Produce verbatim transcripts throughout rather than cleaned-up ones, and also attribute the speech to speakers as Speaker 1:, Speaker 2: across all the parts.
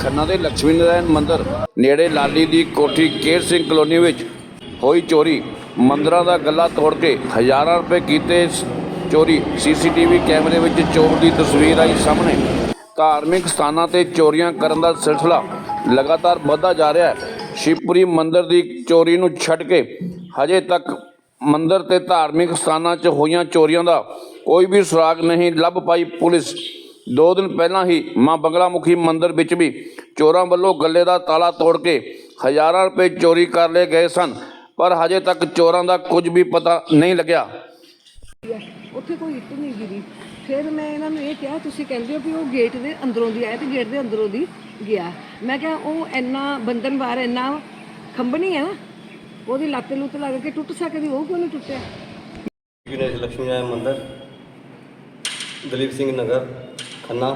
Speaker 1: ਖੰਨਾ ਦੇ ਲక్ష్ਮੀ ਨਾਰਾਇਣ ਮੰਦਿਰ ਨੇੜੇ ਲਾਲੀ ਦੀ ਕੋਠੀ ਕੇਰ ਸਿੰਘ ਕਲੋਨੀ ਵਿੱਚ ਹੋਈ ਚੋਰੀ। ਮੰਦਿਰਾਂ ਦਾ ਗੱਲਾ ਤੋੜ ਕੇ ਹਜ਼ਾਰਾਂ ਰੁਪਏ ਕੀਤੇ ਚੋਰੀ। ਸੀਸੀਟੀਵੀ ਕੈਮਰੇ ਵਿੱਚ ਚੋਰ ਦੀ ਤਸਵੀਰ ਆਈ ਸਾਹਮਣੇ। ਧਾਰਮਿਕ ਸਥਾਨਾਂ ਤੇ ਚੋਰੀਆਂ ਕਰਨ ਦਾ ਸਿਲਸਿਲਾ ਲਗਾਤਾਰ ਵੱਧਦਾ ਜਾ ਰਿਹਾ ਹੈ। ਸ਼ਿਵਪੁਰੀ ਮੰਦਿਰ ਦੀ ਚੋਰੀ ਨੂੰ ਛੱਡ ਕੇ ਹਜੇ ਤੱਕ ਮੰਦਿਰ ਤੇ ਧਾਰਮਿਕ ਸਥਾਨਾਂ 'ਚ ਹੋਈਆਂ ਚੋਰੀਆਂ ਦਾ ਕੋਈ ਵੀ ਸੁਰਾਗ ਨਹੀਂ ਲੱਭ ਪਾਈ ਪੁਲਿਸ। ਦੋ ਦਿਨ ਪਹਿਲਾਂ ਹੀ ਮਾਂ ਬੰਗਲਾ ਮੁਖੀ ਮੰਦਿਰ ਵਿੱਚ ਵੀ ਚੋਰਾਂ ਵੱਲੋਂ ਗੱਲੇ ਦਾ ਤਾਲਾ ਤੋੜ ਕੇ ਹਜ਼ਾਰਾਂ ਰੁਪਏ ਚੋਰੀ ਕਰ ਲਏ ਗਏ ਸਨ, ਪਰ ਹਜੇ ਤੱਕ ਚੋਰਾਂ ਦਾ ਕੁਝ ਵੀ ਪਤਾ ਨਹੀਂ ਲੱਗਿਆ।
Speaker 2: ਉੱਥੇ ਕੋਈ ਇੱਟ ਨਹੀਂ ਗਿਰੀ। ਫਿਰ ਮੈਂ ਇਹਨਾਂ ਨੂੰ ਇਹ ਕਿਹਾ, ਤੁਸੀਂ ਕਹਿੰਦੇ ਹੋ ਕਿ ਉਹ ਗੇਟ ਦੇ ਅੰਦਰੋਂ ਦੀ ਆਇਆ ਤੇ ਗੇਟ ਦੇ ਅੰਦਰੋਂ ਦੀ ਗਿਆ। ਮੈਂ ਕਿਹਾ ਉਹ ਇੰਨਾ ਬੰਧਨ ਬਾਰ ਇੰਨਾ ਖੰਭਣੀ ਹੈ ਨਾ, ਉਹਦੀ ਲੱਤ ਲੁੱਤ ਲੱਗ ਕੇ ਟੁੱਟ ਸਕਦੀ, ਉਹ ਕਿਉਂ ਨਹੀਂ ਟੁੱਟਿਆ?
Speaker 3: ਗਣੇਸ਼ ਲక్ష్ਮੀ ਨਾਰਾਇਣ ਮੰਦਿਰ, ਦਲੀਪ ਸਿੰਘ ਨਗਰ, ਖੰਨਾ।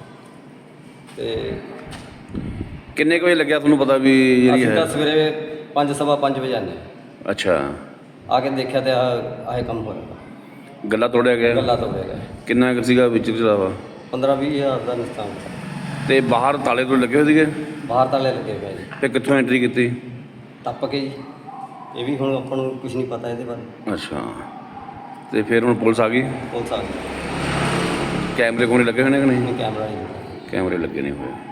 Speaker 3: ਤੇ
Speaker 1: ਕਿੰਨੇ ਕੁ ਵਜੇ ਲੱਗਿਆ ਤੁਹਾਨੂੰ ਪਤਾ ਵੀ ਜਿਹੜੀ
Speaker 3: ਅਸੀਂ
Speaker 1: ਹੈ?
Speaker 3: ਤਾਂ ਸਵੇਰੇ ਪੰਜ ਸਵਾ ਪੰਜ ਵਜੇ ਆਨੇ
Speaker 1: ਅੱਛਾ,
Speaker 3: ਆ ਕੇ ਦੇਖਿਆ ਤੇ ਆਹ ਕੰਮ ਹੋ ਰਿਹਾ।
Speaker 1: ਗੱਲਾ ਤੋੜਿਆ ਗਿਆ?
Speaker 3: ਗੱਲਾਂ ਤੋਂ ਗਿਆ
Speaker 1: ਕਿੰਨਾ ਕੁ ਸੀਗਾ ਵਿੱਚ ਚਲਾਵਾ?
Speaker 3: ਪੰਦਰਾਂ ਵੀਹ ਹਜ਼ਾਰ ਦਾ ਨੁਕਸਾਨ।
Speaker 1: ਤੇ ਬਾਹਰ ਤਾਲੇ ਤੋਂ ਲੱਗੇ ਹੋਏ ਸੀਗੇ?
Speaker 3: ਬਾਹਰ ਤਾਲੇ ਲੱਗੇ ਪਏ ਜੀ।
Speaker 1: ਤੇ ਕਿੱਥੋਂ ਐਂਟਰੀ ਕੀਤੀ?
Speaker 3: ਟੱਪ ਕੇ ਜੀ। ਇਹ ਵੀ ਹੁਣ ਆਪਾਂ ਨੂੰ ਕੁਝ ਨਹੀਂ ਪਤਾ ਇਹਦੇ ਬਾਰੇ।
Speaker 1: ਅੱਛਾ, ਤੇ ਫਿਰ ਹੁਣ ਪੁਲਿਸ ਆ ਗਈ?
Speaker 3: ਪੁਲਿਸ ਆ ਗਈ।
Speaker 1: ਕੈਮਰੇ ਕੋਲ ਲੱਗੇ ਹੋਏ ਨੇ ਕਿ ਨਹੀਂ?
Speaker 3: ਕੈਮਰਾ ਨਹੀਂ।
Speaker 1: ਕੈਮਰੇ ਲੱਗੇ ਨਹੀਂ ਹੋਏ।